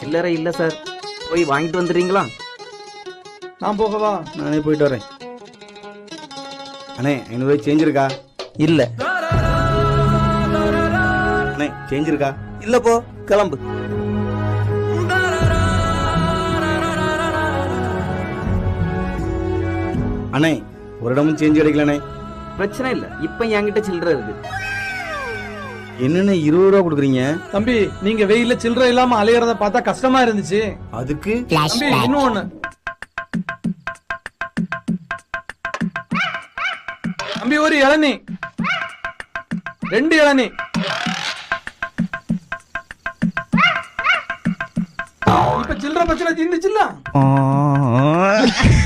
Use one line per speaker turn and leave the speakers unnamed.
சில்லறை இல்ல சார், போய் வாங்கிட்டு வந்துடுறீங்களா?
நான் போகவா?
நானே போயிட்டு வரேன். அண்ணே 500 ரூபாய் சேஞ்ச் இருக்கா?
இல்ல.
அண்ணே சேஞ்ச் இருக்கா?
இல்ல, போ கிளம்பு.
அண்ணே ஒரு இடமும் சேஞ்ச் கிடைக்கலண்ணே.
பிரச்சனை இல்ல, இப்ப என்கிட்ட சில்லறை இருக்கு.
என்னண்ணே 20 ரூபா கொடுக்குறீங்க?
தம்பி, நீங்க வெயில சில்லறை இல்லாம அலையறத பார்த்தா கஷ்டமா இருந்துச்சு.
அதுக்கு
தம்பி, இன்னும் ஒண்ணு. தம்பி, ஒரு இளநீ, 2 இளநீ. இப்ப சில்லறை பிரச்சனை தீர்ந்துச்சுல்ல?